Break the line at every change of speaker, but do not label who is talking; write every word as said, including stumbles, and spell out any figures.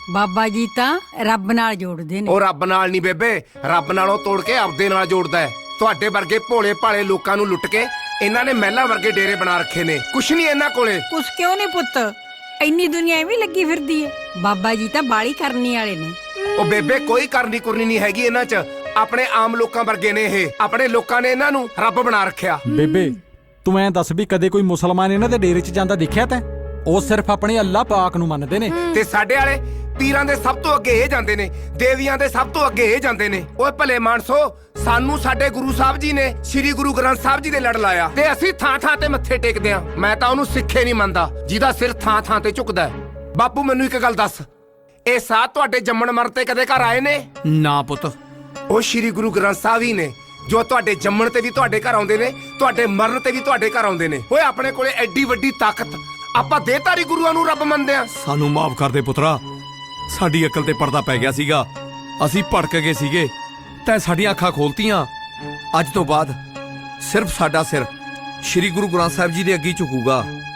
ਬਾਬਾ ਜੀ ਤਾਂ ਰੱਬ ਨਾਲ ਜੋੜਦੇ ਨੇ।
ਉਹ ਰੱਬ ਨਾਲ ਨਹੀਂ ਬੇਬੇ, ਰੱਬ ਨਾਲੋਂ ਤੋੜ ਕੇ ਆਪਦੇ ਨਾਲ ਜੋੜਦਾ ਹੈ। ਤੁਹਾਡੇ ਵਰਗੇ ਭੋਲੇ ਭਾਲੇ ਲੋਕਾਂ ਨੂੰ ਲੁੱਟ ਕੇ ਇਹਨਾਂ ਨੇ ਮਹਿਲਾਂ ਵਰਗੇ ਡੇਰੇ ਬਣਾ ਰੱਖੇ ਨੇ। ਕੁਛ ਨਹੀਂ ਇਹਨਾਂ ਕੋਲੇ।
ਕੁਛ ਕਿਉਂ ਨਹੀਂ ਪੁੱਤ, ਇੰਨੀ ਦੁਨੀਆ ਐਵੇਂ ਲੱਗੀ ਫਿਰਦੀ ਏ। ਬਾਬਾ ਜੀ ਤਾਂ ਬਾਲੀ ਕਰਨੀ ਵਾਲੇ ਨੇ।
ਉਹ ਬੇਬੇ ਕੋਈ ਕਰਨੀ ਕੁਰਨੀ ਨਹੀਂ ਹੈਗੀ ਇਹਨਾਂ 'ਚ। ਆਪਣੇ ਆਮ ਲੋਕਾਂ ਵਰਗੇ ਨੇ ਇਹ। ਆਪਣੇ ਲੋਕਾਂ ਨੇ ਇਹਨਾਂ ਨੂੰ ਰੱਬ ਬਣਾ ਰੱਖਿਆ।
ਬੇਬੇ ਤੂੰ ਐਂ ਦੱਸ ਵੀ ਕਦੇ ਕੋਈ ਮੁਸਲਮਾਨ ਇਹਨਾਂ ਦੇ ਡੇਰੇ 'ਚ ਜਾਂਦਾ ਦੇਖਿਆ ਤੈਂ? ਉਹ ਸਿਰਫ ਆਪਣੇ ਅੱਲਾਹ ਪਾਕ ਨੂੰ ਮੰਨਦੇ ਨੇ।
ਤੇ ਸਾਡੇ ਵਾਲੇ ਪੀਰਾਂ ਦੇ ਸਭ ਤੋਂ ਅੱਗੇ ਇਹ ਜਾਂਦੇ ਨੇ, ਦੇਵੀਆਂ ਦੇ ਸਭ ਤੋਂ ਅੱਗੇ ਇਹ ਜਾਂਦੇ ਨੇ। ਓਏ ਭਲੇ ਮਾਨਸੋ, ਸਾਨੂੰ ਸਾਡੇ ਗੁਰੂ ਸਾਹਿਬ ਜੀ ਨੇ ਸ੍ਰੀ ਗੁਰੂ ਗ੍ਰੰਥ ਸਾਹਿਬ ਜੀ ਦੇ ਲੜ ਲਾਇਆ ਤੇ ਅਸੀਂ ਥਾਂ ਥਾਂ ਤੇ ਮੱਥੇ ਟੇਕਦੇ ਆਂ। ਮੈਂ ਤਾਂ ਉਹਨੂੰ ਸਿੱਖੇ ਨਹੀਂ ਮੰਨਦਾ ਜਿਹਦਾ ਸਿਰ ਥਾਂ ਥਾਂ ਤੇ ਝੁਕਦਾ ਹੈ। ਬਾਪੂ ਮੈਨੂੰ ਇੱਕ ਗੱਲ ਦੱਸ, ਇਹ ਸਾਧ ਤੁਹਾਡੇ ਜੰਮਣ ਮਰਨ ਤੇ ਕਦੇ ਘਰ ਆਏ ਨੇ?
ਨਾ ਪੁੱਤ।
ਉਹ ਸ੍ਰੀ ਗੁਰੂ ਗ੍ਰੰਥ ਸਾਹਿਬ ਹੀ ਨੇ ਜੋ ਤੁਹਾਡੇ ਜੰਮਣ ਤੇ ਵੀ ਤੁਹਾਡੇ ਘਰ ਆਉਂਦੇ ਨੇ, ਤੁਹਾਡੇ ਮਰਨ ਤੇ ਵੀ ਤੁਹਾਡੇ ਘਰ ਆਉਂਦੇ ਨੇ। ਓਏ ਆਪਣੇ ਕੋਲੇ ਐਡੀ ਵੱਡੀ ਤਾਕਤ, ਆਪਾਂ ਦੇਹਧਾਰੀ ਗੁਰੂਆਂ ਨੂੰ ਰੱਬ ਮੰਨਦੇ ਆਂ।
ਸਾਨੂੰ ਮਾਫ ਕਰ ਦੇ ਪੁੱਤਰਾ, ਸਾਡੀ ਅਕਲ ਤੇ ਪਰਦਾ ਪੈ ਗਿਆ ਸੀਗਾ। ਅਸੀਂ ਭੜਕ ਗਏ ਸੀਗੇ, ਤੈਂ ਸਾਡੀਆਂ ਅੱਖਾਂ ਖੋਲਤੀਆਂ। ਅੱਜ ਤੋਂ ਬਾਅਦ ਸਿਰਫ ਸਾਡਾ ਸਿਰ ਸ੍ਰੀ ਗੁਰੂ ਗ੍ਰੰਥ ਸਾਹਿਬ ਜੀ ਦੇ ਅੱਗੇ ਝੁਕੂਗਾ।